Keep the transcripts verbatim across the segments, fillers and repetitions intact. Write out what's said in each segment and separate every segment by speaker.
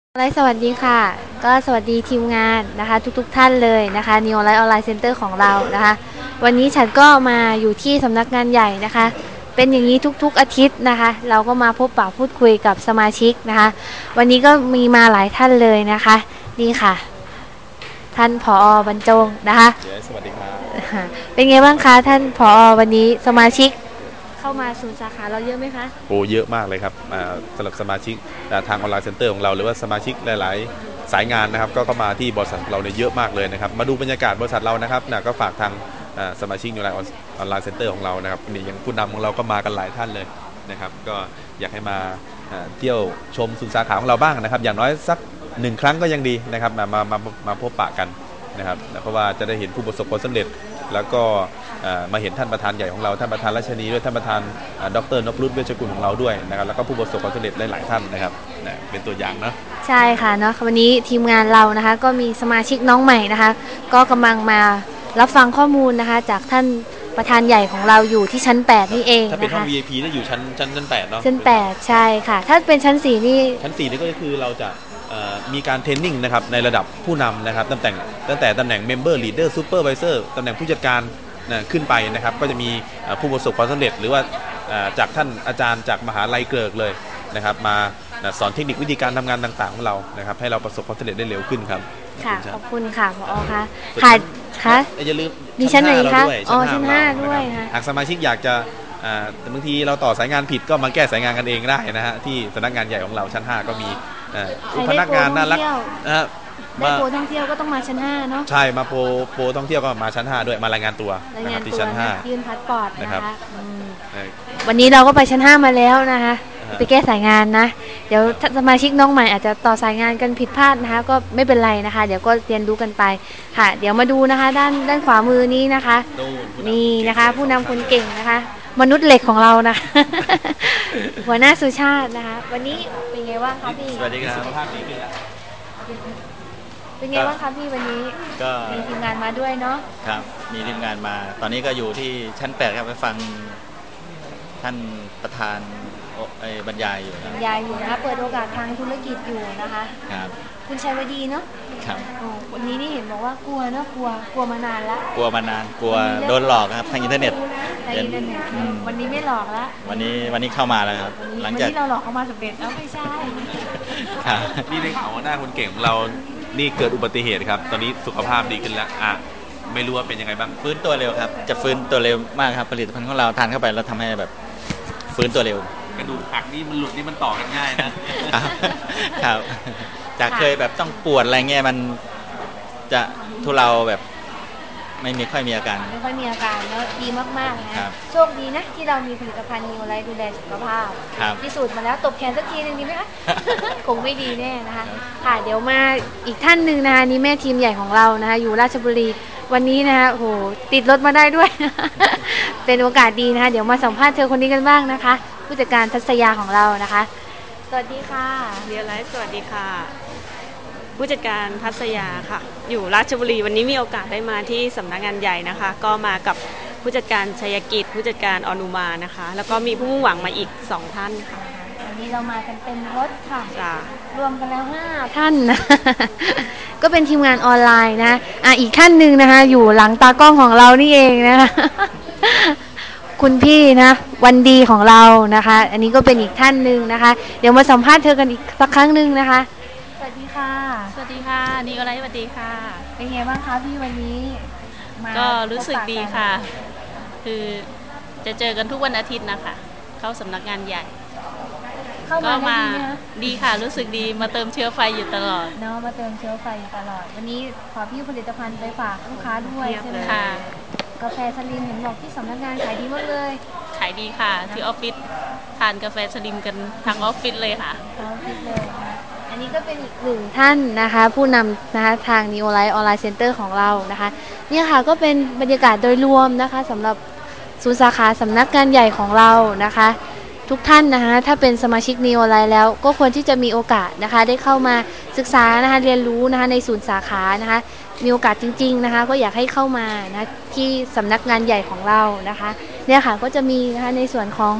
Speaker 1: ไลฟ์สวัสดีค่ะก็สวัสดีทีมงานนะคะทุกๆทท่านเลยนะคะ Neo Life Online Center ของเรานะคะวันนี้ฉันก็มาอยู่ที่สำนักงานใหญ่นะคะเป็นอย่างนี้ทุกๆอาทิตย์นะคะเราก็มาพบปะพูดคุยกับสมาชิกนะคะวันนี้ก็มีมาหลายท่านเลยนะคะนี่ค่ะท่านผอบรรจงนะคะ
Speaker 2: สวัสดีครับ
Speaker 1: เป็นไงบ้างคะท่านผอวันนี้สมาชิกเข้ามาศูนย์สาขาเราเยอะไหมคะ
Speaker 2: โอ้เยอะมากเลยครับสำหรับสมาชิกทางออนไลน์เซ็นเตอร์ของเราหรือว่าสมาชิกหลายๆสายงานนะครับก็เข้ามาที่บริษัทเราเนี่ยเยอะมากเลยนะครับมาดูบรรยากาศบริษัทเรานะครับนะก็ฝากทางสมาชิกออนไลน์ออนไลน์เซ็นเตอร์ของเรานะครับนี่อย่างผู้นำของเราก็มากันหลายท่านเลยนะครับก็อยากให้มาเที่ยวชมศูนย์สาขาของเราบ้างนะครับอย่างน้อยสักหนึ่งครั้งก็ยังดีนะครับมามามามาพบปะกันนะครับเพราะว่าจะได้เห็นผู้ประสบผลสำเร็จแล้วก็มาเห็นท่านประธานใหญ่ของเราท่านประธานรัชนีด้วยท่านประธานดร.นพรุตเวชกุลของเราด้วยนะครับแล้วก็ผู้ประสบความสำเร็จหลายๆท่านนะครับเป็นตัวอย่างนะ
Speaker 1: ใช่ค่ะเนาะวันนี้ทีมงานเรานะคะก็มีสมาชิกน้องใหม่นะคะก็กำลังมารับฟังข้อมูลนะคะจากท่านประธานใหญ่ของเราอยู่ที่ชั้นแปดนี่เอง
Speaker 2: ถ้าเป็นห้อง วี ไอ พี ได้อยู่ชั้นชั้นชั้นแปดเนาะ
Speaker 1: ชั้นแปดใช่ค่ะถ้าเป็นชั้นสี่นี่
Speaker 2: ชั้นสี่นี่ก็คือเราจะมีการเทรนนิ่งนะครับในระดับผู้นำนะครับตั้งแต่ตั้งแต่ตำแหน่ง Member Leader Supervisor ตำแหน่งผู้จัดการขึ้นไปนะครับก็จะมีผู้ประสบความสำเร็จหรือว่าจากท่านอาจารย์จากมหาลัยเกริกเลยนะครับมาสอนเทคนิควิธีการทำงานต่างๆของเรานะครับให้เราประสบความสำเร็จได้เร็วขึ้นครับ
Speaker 1: ค่ะขอบคุณค่ะผอค่ะค่ะค่ะ
Speaker 2: อย่าลืม
Speaker 1: มีชั้นไหนคะอ๋อชั้นห้าด้วยค่ะ
Speaker 2: หากสมาชิกอยากจะบางทีเราต่อสายงานผิดก็มาแก้สายงานกันเองได้นะฮะที่สำนักงานใหญ่ของเราชั้นห้าก็มีพนักงานน่ารักนะ
Speaker 1: ได้โปรท่องเที่ยวก็ต้องมาชั้นห้าเนาะ
Speaker 2: ใช่มาโปรโปรท่องเที่ยวก็มาชั้นห้าด้วยมารายงานตัวนะครับที่ชั้นห้า
Speaker 1: ยื่นพาสปอร์ตนะคะวันนี้เราก็ไปชั้นห้ามาแล้วนะคะไปแก้สายงานนะเดี๋ยวสมาชิกน้องใหม่อาจจะต่อสายงานกันผิดพลาดนะคะก็ไม่เป็นไรนะคะเดี๋ยวก็เรียนรู้กันไปค่ะเดี๋ยวมาดูนะคะด้านด้านขวามือนี้นะคะนี่นะคะผู้นำคนเก่งนะคะมนุษย์เหล็กของเรานะหัวหน้าสุชาตินะคะวันนี้เป็นไงบ้างคะพี่
Speaker 2: สวัสดีครับสุขภาพดีขึ้นแล้ว
Speaker 1: เป็นไงบ้างคะพี่วันนี้ก็มีทีมงานมาด้วยเนาะ
Speaker 3: ครับมีทีมงานมาตอนนี้ก็อยู่ที่ชั้นแปดครับไปฟังท่านประธานบรรยายอยู่
Speaker 1: บรรยายอยู่นะคะเปิดโอกาสทางธุรกิจอยู่นะคะ
Speaker 3: ครับ
Speaker 1: คุณชัยวดีเนาะ
Speaker 3: ครับ
Speaker 1: วันนี้นี่เห็นบอกว่ากลัวเนาะกลัวกลัวมานานแล้ว
Speaker 3: กลัวมานานกลัวโดนหลอกครับทางอินเทอร์เน็ต
Speaker 1: ทางอินเทอร์เน็ตวันนี้ไม่หลอกแล้ว
Speaker 3: วันนี้วันนี้เข้ามาแล้วครับ
Speaker 1: หลังจากที่เราหลอกเขามาสำเร็จแล้วไม่ใช่
Speaker 2: นี่ในข่าวว่าหน้าคนเก่งของเรานี่เกิดอุบัติเหตุครับตอนนี้สุขภาพดีขึ้นแล้วอ่ะไม่รู้ว่าเป็นยังไงบ้าง
Speaker 3: ฟื้นตัวเร็วครับจะฟื้นตัวเร็วมากครับผลิตภัณฑ์ของเราทานเข้าไปแล้วทำให้แบบฟื้นตัวเร็ว
Speaker 2: กระดูกหักนี่มันหลุดนี่มันต่อกันง่าย
Speaker 3: นะครับจากเคยแบบต้องปวดอะไรเงี้ยมันจะทุเลาแบบไม่มีค่อยมีอาการ
Speaker 1: ไม่ค่อยมีอาการแล้วดีมากๆนะโชคดีนะที่เรามีผลิตภัณฑ์นิวไลท์ดูแลสุขภาพพิสูจน์มาแล้วตบแขนสักทีนึงดีไหมคะคงไม่ดีแน่นะคะค่ะเดี๋ยวมาอีกท่านหนึ่งนะคะนี่แม่ทีมใหญ่ของเรานะคะอยู่ราชบุรีวันนี้นะคะโหติดรถมาได้ด้วยเป็นโอกาสดีนะคะเดี๋ยวมาสัมภาษณ์เธอคนนี้กันบ้างนะคะผู้จัดการทัศยาของเรานะคะสวัสดีค่ะ
Speaker 4: เรียลไลฟ์สวัสดีค่ะผู้จัดการทัศยาค่ะอยู่ราชบุรีวันนี้มีโอกาสได้มาที่สำนักงานใหญ่นะคะก็มากับผู้จัดการชัยกิจผู้จัดการอนุมานะคะแล้วก็มีผู้มุ่งหวังมาอีกสองท่านค่ะ
Speaker 1: วันนี้เรามากันเป็นรถค่ะ
Speaker 4: จ้
Speaker 1: รวมกันแล้วห้าท่านนะก็เป็นทีมงานออนไลน์นะอ่ะอีกท่านหนึ่งนะคะอยู่หลังตากล้องของเรานี่เองนะคะคุณพี่นะวันดีของเรานะคะอันนี้ก็เป็นอีกท่านหนึ่งนะคะเดี๋ยวมาสัมภาษณ์เธอกันอีกสักครั้งหนึ่งนะคะสวัสดีค่ะ
Speaker 4: สวัสดีค่ะนี่อะไรสวัสดีค่ะ
Speaker 1: เป็นไงบ้างคะพี่วันนี้
Speaker 4: ก็รู้สึกดีค่ะคือจะเจอกันทุกวันอาทิตย์นะคะเข้าสำนักงานใหญ่
Speaker 1: ก็มา
Speaker 4: ดีค่ะรู้สึกดีมาเติมเชื้อไฟอยู่ตลอด
Speaker 1: เนาะมาเติมเชื้อไฟตลอดวันนี้ขอพี่ผลิตภัณฑ์ไปฝากลูกค้าด้วยใช่ไหม
Speaker 4: ค่ะ
Speaker 1: กาแฟสลิมเห็นบอกที่สำนักงานขายดีมากเลย
Speaker 4: ขายดีค่ะที่ออฟฟิศทานกาแฟสลิมกันทั้งออฟฟิศเลยค่ะ
Speaker 1: ทั้งออฟฟิศเลยอันนี้ก็เป็นอีกหนึ่งท่านนะคะผู้นำนะคะทาง Neo Life Online Center ของเรานะคะนี่ค่ะก็เป็นบรรยากาศโดยรวมนะคะสำหรับศูนย์สาขาสำนักงานใหญ่ของเรานะคะทุกท่านนะคะถ้าเป็นสมาชิก Neo Life แล้วก็ควรที่จะมีโอกาสนะคะได้เข้ามาศึกษานะคะเรียนรู้นะคะในศูนย์สาขานะคะมีโอกาสจริงๆนะคะก็อยากให้เข้ามานะที่สำนักงานใหญ่ของเรานะคะเนี่ยค่ะก็จะมีนะคะในส่วนของ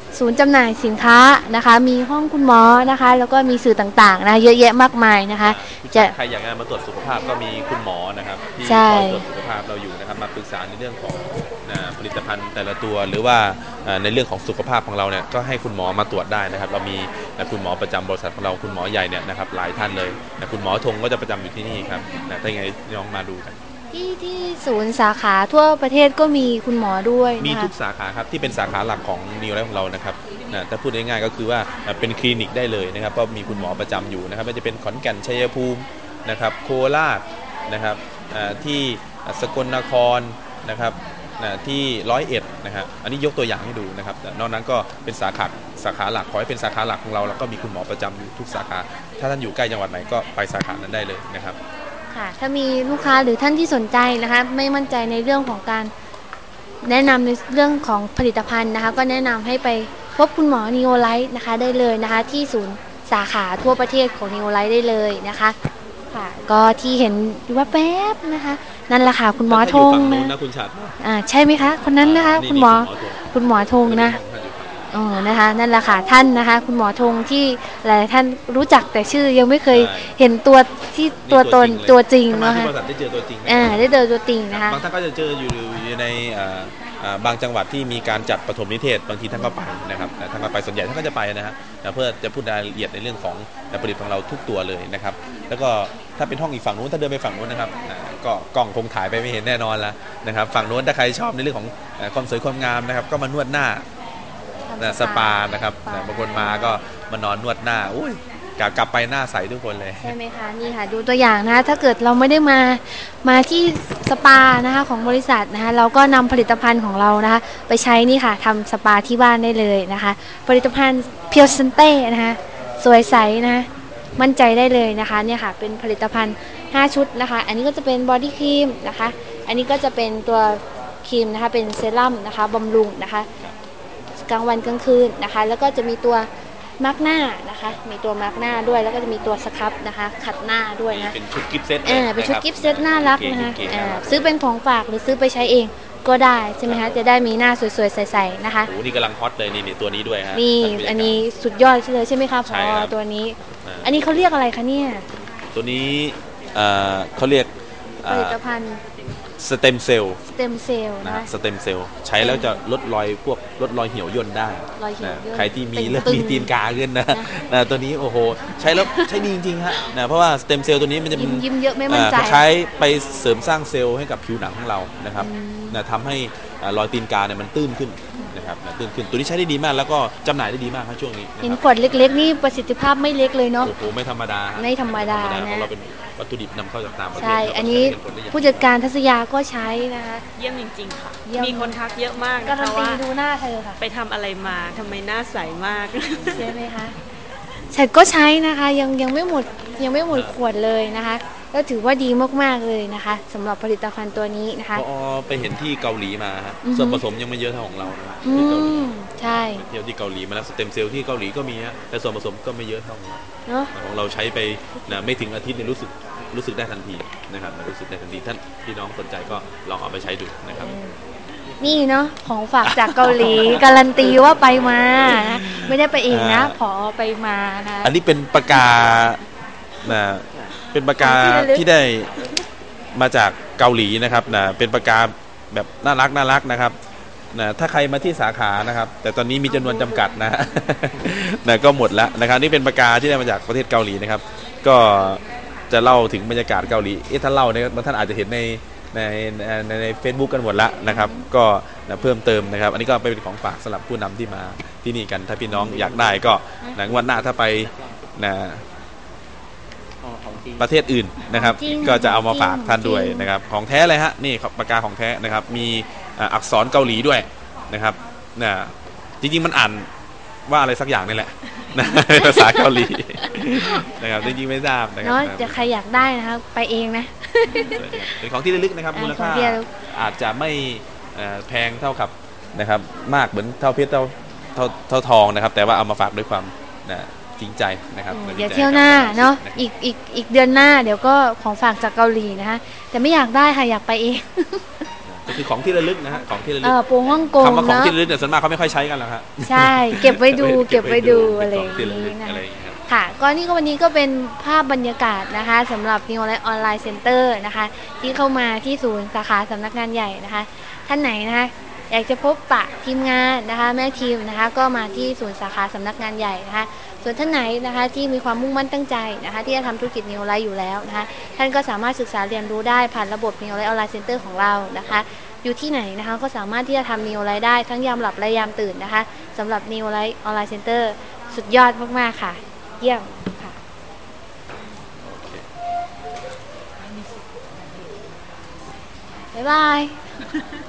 Speaker 1: ศูนย์จำหน่ายสินค้านะคะมีห้องคุณหมอนะคะแล้วก็มีสื่อต่างๆนะเยอะแยะมากมายนะคะ
Speaker 2: จะใครอยากจะมาตรวจสุขภาพก็มีคุณหมอนะครับที่คอยตรวจสุขภาพเราอยู่นะครับมาปรึกษาในเรื่องของผลิตภัณฑ์แต่ละตัวหรือว่าในเรื่องของสุขภาพของเราเนี่ยก็ให้คุณหมอมาตรวจได้นะครับเรามีคุณหมอประจำบริษัทของเราคุณหมอใหญ่เนี่ยนะครับหลายท่านเลยคุณหมอธงก็จะประจำอยู่ที่นี่ครับถ้าอย่างไรน้องมาดูกัน
Speaker 1: ที่ที่ศูนย์สาขาทั่วประเทศก็มีคุณหมอด้วย
Speaker 2: มีทุกสาขาครับที่เป็นสาขาหลักของนิวไลฟ์ของเรานะครับนะถ้าพูดง่ายๆก็คือว่าเป็นคลินิกได้เลยนะครับก็มีคุณหมอประจำอยู่นะครับไม่ว่าจะเป็นขอนแก่นชัยภูมินะครับโคราชนะครับที่สกลนครนะครับที่ร้อยเอ็ดนะครับอันนี้ยกตัวอย่างให้ดูนะครับนอกนั้นก็เป็นสาขาสาขาหลักขอให้เป็นสาขาหลักของเราแล้วก็มีคุณหมอประจำอยู่ทุกสาขาถ้าท่านอยู่ใกล้จังหวัดไหนก็ไปสาขานั้นได้เลยนะครับ
Speaker 1: ค่ะถ้ามีลูกค้าหรือท่านที่สนใจนะคะไม่มั่นใจในเรื่องของการแนะนำในเรื่องของผลิตภัณฑ์นะคะก็แนะนำให้ไปพบคุณหมอนีโอไลท์นะคะได้เลยนะคะที่ศูนย์สาขาทั่วประเทศของนีโอไลท์ได้เลยนะคะค่ะก็ที่เห็นว่าแป๊บนะคะนั่นแหละค่ะคุณหมอธงนะ
Speaker 2: คุณชัด
Speaker 1: อ่าใช่ไหมคะคนนั้นนะคะคุณหมอคุณหมอธงนะอ๋อนะคะนั่นแหละค่ะท่านนะคะคุณหมอธงที่หลายท่านรู้จักแต่ชื่อยังไม่เคยเห็นตัวที่ตัวตนตัวจริงนะคะ
Speaker 2: ได้เจอตัวจริง
Speaker 1: อ่าได้เจอตัวจริงนะคะ
Speaker 2: บางท่านก็จะเจออยู่ในบางจังหวัดที่มีการจัดปฐมนิเทศบางทีท่านก็ไปนะครับท่านก็ไปส่วนใหญ่ท่านก็จะไปนะฮะเพื่อจะพูดรายละเอียดในเรื่องของผลิตของเราทุกตัวเลยนะครับแล้วก็ถ้าเป็นห้องอีกฝั่งนู้นถ้าเดินไปฝั่งนู้นนะครับก็กล้องคงถ่ายไปไม่เห็นแน่นอนแล้วนะครับฝั่งนู้นถ้าใครชอบในเรื่องของความสวยความงามนะครับก็มานวดหน้าสปานะครับบางคนมาก็มานอนนวดหน้าอุ้ยกลับไปหน้าใสทุกคนเลย
Speaker 1: ใช่ไหมคะนี่ค่ะดูตัวอย่างนะถ้าเกิดเราไม่ได้มามาที่สปานะคะของบริษัทนะคะเราก็นำผลิตภัณฑ์ของเรานะคะไปใช้นี่ค่ะทำสปาที่บ้านได้เลยนะคะผลิตภัณฑ์เพียวซันเต้นะคะสวยใสนะมั่นใจได้เลยนะคะเนี่ยค่ะเป็นผลิตภัณฑ์ห้าชุดนะคะอันนี้ก็จะเป็นบอดี้ครีมนะคะอันนี้ก็จะเป็นตัวครีมนะคะเป็นเซรั่มนะคะบำรุงนะคะกลางวันกลางคืนนะคะแล้วก็จะมีตัวมาร์กหน้านะคะมีตัวมาร์กหน้าด้วยแล้วก็จะมีตัวสครับนะคะขัดหน้าด้วยนะ
Speaker 2: เป็นชุดกิฟต์เซต
Speaker 1: อ่าเป็นชุดกิฟต์เซตน่ารักนะคะอ่าซื้อเป็นของฝากหรือซื้อไปใช้เองก็ได้ใช่ไหมคะจะได้มีหน้าสวยๆใสๆนะคะ
Speaker 2: โอ้นี่กำลังฮอตเลยนี่ตัวนี้ด้วยฮะ
Speaker 1: นี่อันนี้สุดยอดเลยใช่ไหมคะพอตัวนี้อันนี้เขาเรียกอะไรคะเนี่ย
Speaker 2: ตัวนี้เขาเรียก
Speaker 1: ผลิตภัณฑ์
Speaker 2: สเต็มเซลล์
Speaker 1: สเต็มเซลล์
Speaker 2: นะสเต็มเซลล์ใช้แล้วจะลดรอยพวกลดรอยเหี่ยวย่นได้ใครที่มีเริ่มมีตีนกาขึ้นนะนะตัวนี้โอ้โหใช้แล้วใช้ดีจริงๆฮะนะเพราะว่าสเต็มเซลล์ตัวนี้มันจะ
Speaker 1: ยิ้มเยอะไม่มั่นใจ
Speaker 2: ใช้ไปเสริมสร้างเซลล์ให้กับผิวหนังของเรานะครับนะทำให้รอยตีนกาเนี่ยมันตื้นขึ้นนะครับตื้นขึ้นตัวนี้ใช้ได้ดีมากแล้วก็จำหน่ายได้ดีมากครับช่วงนี้
Speaker 1: เห็นขวดเล็กๆนี่ประสิทธิภาพไม่เล็กเลยเนาะ
Speaker 2: โอ้โหไม่ธรรมดา
Speaker 1: ไม่ธรรมดานะ
Speaker 2: เราเป็นวัตถุดิบนำเข้าจากต่างประเทศ
Speaker 1: ใช่อันนี้ผู้จัดการทัศยาก็ใช้นะคะ
Speaker 4: เยี่ยมจริงๆค่ะมีคนทักเยอะมาก
Speaker 1: นะคะว่าดูหน้าเธอค่ะ
Speaker 4: ไปทำอะไรมาทำไมหน้าใสมาก
Speaker 1: ใช่ไหมคะฉันก็ใช้นะคะยังยังไม่หมดยังไม่หมดขวดเลยนะคะก็ถือว่าดีมากๆเลยนะคะสำหรับผลิตภัณฑ์ตัวนี้นะคะ
Speaker 2: พอไปเห็นที่เกาหลีมาฮะส่วนผสมยังไม่เยอะเท่าของเรา
Speaker 1: ที่เกาหลีใช่
Speaker 2: เที่ยวที่เกาหลีมาแล้วสเต็มเซลล์ที่เกาหลีก็มีฮะแต่ส่วนผสมก็ไม่เยอะเท่าของเราของเราใช้ไปนะไม่ถึงอาทิตย์เนี่ยรู้สึกรู้สึกได้ทันทีนะครับรู้สึกได้ทันทีท่านพี่น้องสนใจก็ลองเอาไปใช้ดูนะครับ
Speaker 1: นี่เนาะของฝากจากเกาหลีการันตีว่าไปมานะไม่ได้ไปเองนะผอไปมานะ
Speaker 2: อันนี้เป็นปากกานะเป็นปากกาที่ได้มาจากเกาหลีนะครับนะเป็นปากกาแบบน่ารักน่ารักนะครับนะถ้าใครมาที่สาขานะครับแต่ตอนนี้มีจำนวนจำกัดนะนะก็หมดแล้วนะครับนี่เป็นปากกาที่ได้มาจากประเทศเกาหลีนะครับก็จะเล่าถึงบรรยากาศเกาหลีเอ๊ะถ้าเล่าเนี่ยบางท่านอาจจะเห็นในในในในเฟซบุ๊กกันหมดละนะครับก็นะเพิ่มเติมนะครับอันนี้ก็เป็นของฝากสำหรับผู้นำที่มาที่นี่กันถ้าพี่น้องอยากได้ก็นะวันหน้าถ้าไปนะประเทศอื่นนะครับก็จะเอามาฝากท่านด้วยนะครับของแท้เลยฮะนี่ปากกาของแท้นะครับมีอักษรเกาหลีด้วยนะครับนะจริงๆมันอ่านว่าอะไรสักอย่างนี่แหละนะภาษาเกาหลีนะครับจริงๆไม่ทราบนะครับ
Speaker 1: เนาะจะใครอยากได้นะครับไปเองนะ
Speaker 2: เป็นของที่ระลึกนะครับมูลค่าอาจจะไม่แพงเท่ากับนะครับมากเหมือนเท่าเพชรเท่าเท่าเท่าทองนะครับแต่ว่าเอามาฝากด้วยความนะจริงใจนะครับ
Speaker 1: เดี๋ยวเที่ยวหน้าเนาะอีกอีกอีกเดือนหน้าเดี๋ยวก็ของฝากจากเกาหลีนะคะแต่ไม่อยากได้ค่ะอยากไปเอง
Speaker 2: ทุกคือของที่ระลึกนะฮะของที่ระ
Speaker 1: เอ
Speaker 2: ลึก
Speaker 1: อปูฮ่องกง
Speaker 2: คำว่าของ
Speaker 1: เนาะ
Speaker 2: ที่ระลึกเนี่ยส่วนมากเขาไม่ค่อยใช้กันหรอกครับ
Speaker 1: ใช่เก็บไว้ดู เก็บไว้ดู
Speaker 2: เป็
Speaker 1: อะไร
Speaker 2: น
Speaker 1: อ
Speaker 2: ข
Speaker 1: ย่าง
Speaker 2: ที่ระลึ
Speaker 1: นี้
Speaker 2: ก
Speaker 1: นะ
Speaker 2: อะไรอย่างเงี้ยครับ
Speaker 1: ค่ะก็นี่ก็วันนี้ก็เป็นภาพบรรยากาศนะคะสำหรับ New Life Online Center นะคะที่เข้ามาที่ศูนย์สาขาสำนักงานใหญ่นะคะท่านไหนนะคะอยากจะพบปะทีมงานนะคะแม่ทีมนะคะก็มาที่ศูนย์สาขาสำนักงานใหญ่นะคะส่วนท่านไหนนะคะที่มีความมุ่งมั่นตั้งใจนะคะที่จะทำธุรกิจ New Life อยู่แล้วนะคะท่านก็สามารถศึกษาเรียนรู้ได้ผ่านระบบ New Life Online Center ของเรานะคะอยู่ที่ไหนนะคะก็สามารถที่จะทำ New Life ได้ทั้งยามหลับและยามตื่นนะคะสำหรับ New Life Online Center สุดยอดมากๆค่ะเยี่ยมค่ะบ๊ายบาย